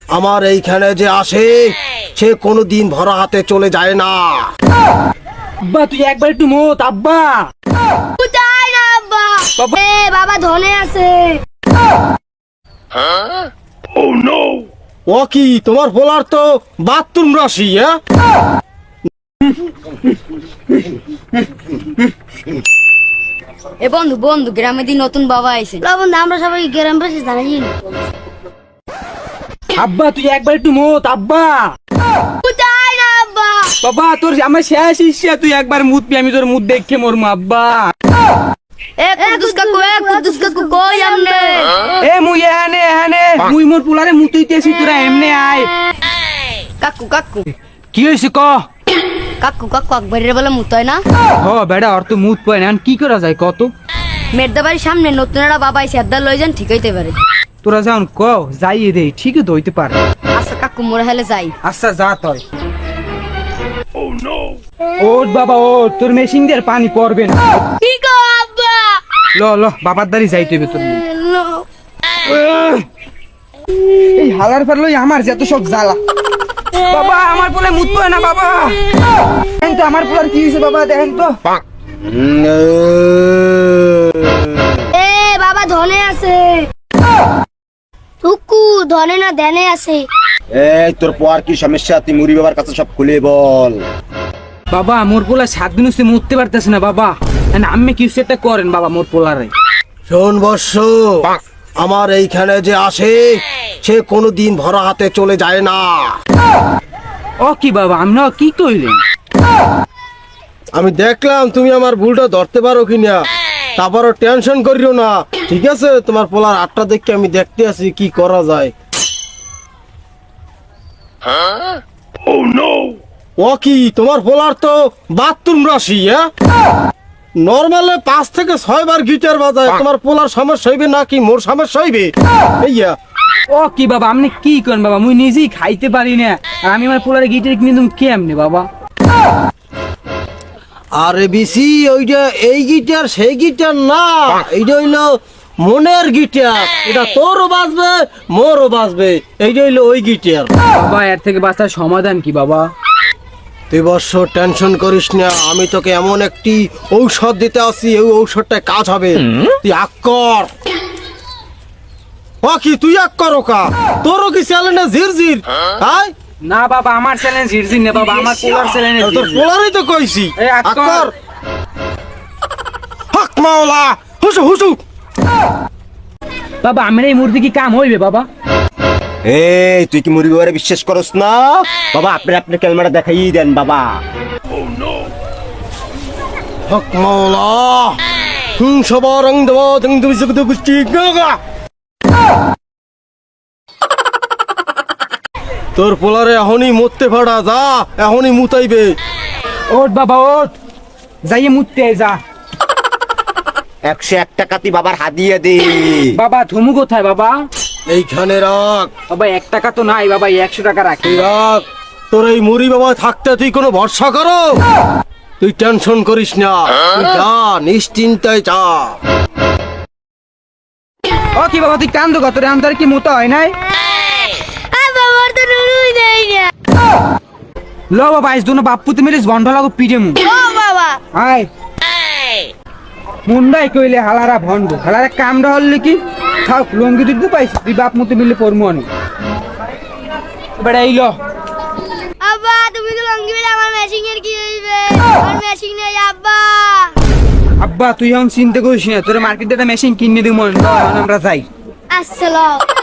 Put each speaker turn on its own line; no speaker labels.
আমার এইখানে যে আসে সে কোনোদিন ভরা হাতে চলে যায় না।
আব্বা তুই একবার একটু মত আব্বা।
কোথায় না আব্বা? বাবা ধনে আছে।
ও কি তোমার বলার তো বাথরুম রাশি?
এ বন্ধু বন্ধু গ্রামে দিন নতুন বাবা আইছে। বন্ধু আমরা সবাই গ্রাম বাসী জানি।
আব্বা তুই একবার একটু মত আব্বা।
কোথায় না আব্বা?
বাবা তোর আমার শেষ ইচ্ছা, তুই একবার মুত পি, আমি তোর মুত দেখে মরমু আব্বা।
কুদ্দুস কাকু কই আমনে?
এ মুই এহানে এহানে মুই মোর পুলারে মুতুইতেছি, তোরা এমনে আয়।
কাকু কাকু
কি হইছে ক?
কাকু কাকু আকবরের বলে মুতয় না?
হ বেড়া ওর তো মুত পায় না, কি করা যায় কত?
মেরদা বাড়ির সামনে নতুন একটা বাবা আইছে, আড্ডা লই যান ঠিক হইতে পারে।
তোরা যাও ক যাই রে, ঠিকই তো হইতে পারে।
আচ্ছা কাকু মোরা হেলে যাই।
আচ্ছা যা তয়। ওট বাবা ওট, তোর মেশিন দিয়ে আর পানি পড়বে না।
কি গো আব্বা?
ল ল বাবার দাঁড়ি যাইতে হবে তোর। এই হালার ফের লই আমার যত সব জ্বালা। বাবা আমার পোলে মুত পায় না বাবা। দেখেন তো আমার পোলার কি হয়েছে বাবা, দেখেন তো।
বাবা ধনে আছে। টুকু ধনে না ধ্যানে আছে।
এই তোর পর কি সমস্যা? তুই মুড়ি বাবার কাছে সব খুলে বল।
বাবা মোর পোলা 7 দিন হচ্ছে মুততে পারতেছে না বাবা, আমি কিছু একটা করেন বাবা মোর পোলারে।
শোন বর্ষ, আমার এইখানে যে আসে সে কোনোদিন ভরা হাতে চলে যায় না।
ও কি বাবা আমরা কি কইলেন?
আমি দেখলাম তুমি আমার ভুলটা ধরতে পারো কিনা, তারপরও টেনশন করিও না, ঠিক আছে? তোমার পোলার আটটা দেখে আমি দেখতে আছি কি করা যায়। ও কি তোমার পোলার তো বাথরুম রাশি? নর্মালে 5 থেকে 6 বার গিটার বাজায়। তোমার পোলার সমস্যা হইবে নাকি মোর সমস্যা হইবে? এইয়া
ও কি বাবা আপনি কি করেন বাবা, মুই নিজেই খাইতে পারি না, আর আমি আমার পোলারে গিটার কিনে তুমি কেমনে বাবা?
আরে বিসি ওইটা এই গিটার সেই গিটার না, এইটা হইলো মনের গিটার। এটা তোরও বাজবে মোরও বাজবে, এইটা হইলো ওই গিটার।
বাবা এর থেকে বাঁচার সমাধান কি বাবা?
তুই বর্ষ টেনশন করিস না, আমি তোকে এমন একটি ঔষধ দিতে আসি, এই ঔষধটা কাজ হবে। তুই আক্কর। ও কি তুই আক্কর? ওকা তোরও কি চ্যালেঞ্জ ঝিরঝির? হ্যাঁ
না বাবা আমার চ্যালেঞ্জ হিরজিন না বাবা, আমার পোলার চ্যালেঞ্জ।
তোর পোলারই তো কইছি
এই আক্কর।
আক্কর। হক মাওলা হুসু হুসু।
বাবা আমার এই মুরগি কি কাম হইবে বাবা?
এই তুই কি মুরগি বাবারে বিশ্বাস করস না? বাবা আপনার ক্যালমাটা দেখাই দেন বাবা।
হক মাওলা সবারং দেব তুমি সুখ গুষ্টি গাগা। তোর পোলারে এখনই মরতে ফাড়া, যা এখনই মুতাইবে।
ওট বাবা ওট, যাইয়ে মুততে যা।
101 টাকা তুই বাবার হাদিয়ে দে।
বাবা থুমু কোথায় বাবা?
এইখানে রাখ।
বাবা 1 টাকা তো নাই বাবা, 100 টাকা রাখি।
তুই রাখ। তোর এই মুড়ি বাবা থাকতে তুই কোনো ভরসা করো? তুই টেনশন করিস না, তুই যা নিশ্চিন্তায় যা।
ও কি বাবা তুই কান্দো কত রে, আমার কি মুতা হয় নাই?
বাবার তো নুনুই দেয় না।
লো বাবা আইস দুনো বাপ্পু তুমি বন্ধ লাগো পিড়ে মু।
ও বাবা
আয় মুন্ডাই কইলে হালারা ভন্ড, হালারা কামড়া হল কি থাক লঙ্গি দিতে পাইছি, তুই বাপ মতো মিলে পড়মু অনেক বেড়া এইলো।
আব্বা তুমি তো লঙ্গি বেলা, আমার মেশিং এর কি হইবে? আমার মেশিং নেই আব্বা।
আব্বা তুই এখন চিন্তা করিস না, তোর মার্কেটে একটা মেশিন কিনে দিব, আমরা যাই।
আসসালাম।